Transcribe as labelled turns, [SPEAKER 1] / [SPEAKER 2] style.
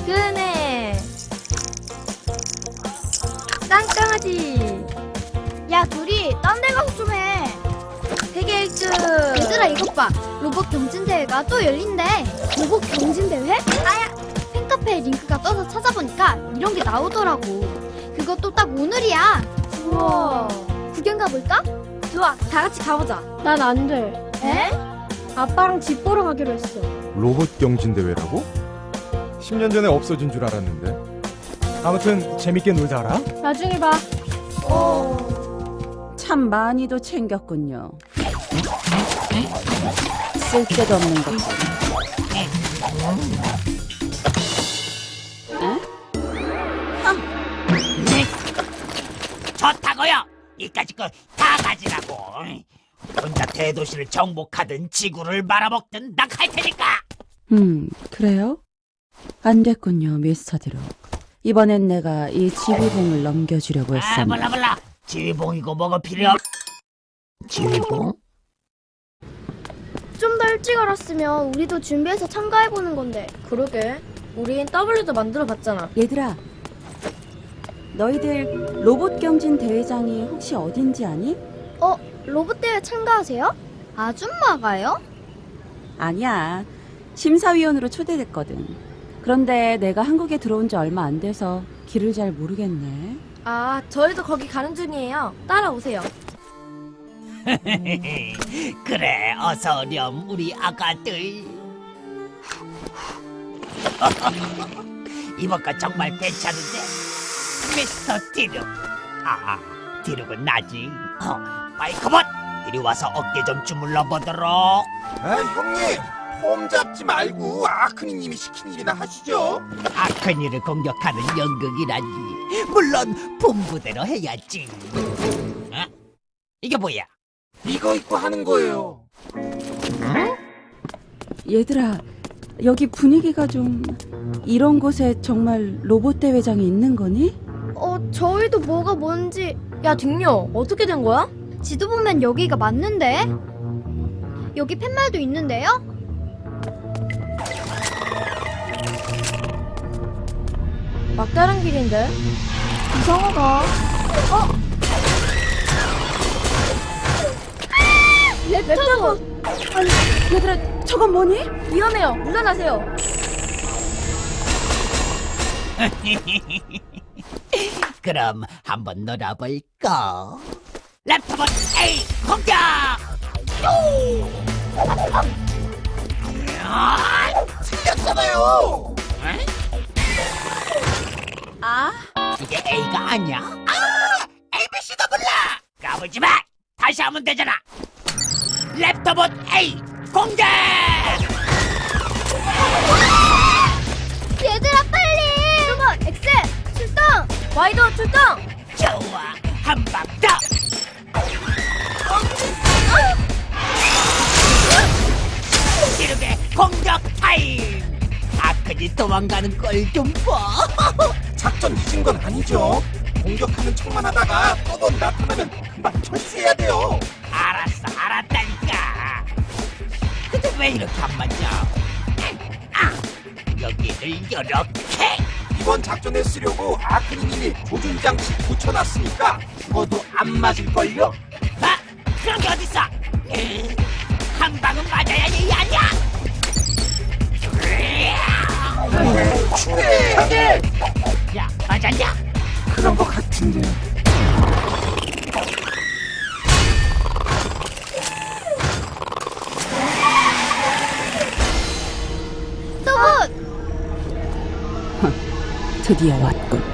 [SPEAKER 1] 그네. 짱짱하지.
[SPEAKER 2] 야, 둘이 딴 데 가서 좀 해.
[SPEAKER 1] 세계 1등.
[SPEAKER 2] 얘들아, 이것 봐. 로봇 경진대회가 또 열린대. 로봇 경진대회? 아야! 팬카페에 링크가 떠서 찾아보니까 이런 게 나오더라고. 그것도 딱 오늘이야.
[SPEAKER 1] 우와.
[SPEAKER 2] 구경 가볼까?
[SPEAKER 1] 좋아, 다 같이 가보자.
[SPEAKER 3] 난 안 돼.
[SPEAKER 2] 에?
[SPEAKER 3] 아빠랑 집 보러 가기로 했어.
[SPEAKER 4] 로봇 경진 대회라고? 10년 전에 없어진 줄 알았는데. 아무튼 재밌게 놀자라.
[SPEAKER 3] 나중에 봐.
[SPEAKER 5] 참 많이도 챙겼군요. 쓸데도 없는 것들.
[SPEAKER 6] 좋다고요. 이까짓 거 다 가지라고. 혼자 대도시를 정복하든 지구를 말아먹든 난 할 테니까.
[SPEAKER 5] 그래요? 안 됐군요, 미스터 드록. 이번엔 내가 이 지휘봉을 넘겨주려고
[SPEAKER 6] 아,
[SPEAKER 5] 했었는데.
[SPEAKER 6] 몰라. 지휘봉이고 뭐가 필요 없. 지휘봉?
[SPEAKER 2] 좀 더 일찍 알았으면 우리도 준비해서 참가해보는 건데.
[SPEAKER 1] 그러게. 우린 W도 만들어봤잖아.
[SPEAKER 5] 얘들아, 너희들 로봇 경진 대회장이 혹시 어딘지 아니?
[SPEAKER 2] 로봇대회 참가하세요? 아줌마가요?
[SPEAKER 5] 아니야. 심사위원으로 초대됐거든. 그런데 내가 한국에 들어온 지 얼마 안 돼서 길을 잘 모르겠네.
[SPEAKER 1] 아, 저희도 거기 가는 중이에요. 따라오세요.
[SPEAKER 6] 그래, 어서 오렴 우리 아가들. 이번 거 정말 괜찮은데, 미스터 디룩. 아, 디룩은 나지. 마이크봇, 이리 와서 어깨 좀 주물러 보도록.
[SPEAKER 7] 아, 형님, 폼 잡지 말고 아크니님이 시킨 일이나 하시죠.
[SPEAKER 6] 아크니를 공격하는 연극이라니. 물론 분부대로 해야지. 어? 이게 뭐야?
[SPEAKER 7] 이거 입고 하는 거예요.
[SPEAKER 5] 얘들아, 여기 분위기가 좀... 이런 곳에 정말 로봇 대회장이 있는 거니?
[SPEAKER 2] 저희도 뭐가 뭔지.
[SPEAKER 1] 야, 딩요. 어떻게 된 거야?
[SPEAKER 2] 지도 보면 여기가 맞는데? 여기 팻말도 있는데요?
[SPEAKER 1] 막다른 길인데.
[SPEAKER 2] 이상하다.
[SPEAKER 1] 랩터봇.
[SPEAKER 5] 아니, 얘들아, 저건 뭐니?
[SPEAKER 1] 위험해요. 물러나세요.
[SPEAKER 6] 그럼 한번 놀아볼까? 랩터봇 A 공격!
[SPEAKER 7] 틀렸잖아요.
[SPEAKER 5] 아,
[SPEAKER 6] 이게 A가 아니야? ABC도 몰라! 까불지 마! 다시 하면 되잖아! 랩터봇 A 공격!
[SPEAKER 2] 얘들아, 빨리! 로봇 X 출동!
[SPEAKER 1] 와이도 출동!
[SPEAKER 6] 좋아! 한 방 더! 기록의 공격 타임! 아크니 도망가는 걸 좀 봐!
[SPEAKER 7] 작전 잊은 건 아니죠. 공격하는 척만 하다가 또 나타나면 금방 철수해야 돼요.
[SPEAKER 6] 알았어, 알았다니까. 근데 왜 이렇게 안 맞아? 여기를 이렇게.
[SPEAKER 7] 이번 작전에 쓰려고 아크니님이 조준 장치 붙여놨으니까 죽어도 안 맞을걸요.
[SPEAKER 6] 아, 그런 게 어딨어? 한 방은 맞아야지, 아니야?
[SPEAKER 7] 충분해.
[SPEAKER 6] 야, 맞았냐?
[SPEAKER 7] 그런 것 같은데.
[SPEAKER 2] 로봇!
[SPEAKER 5] 드디어 왔군.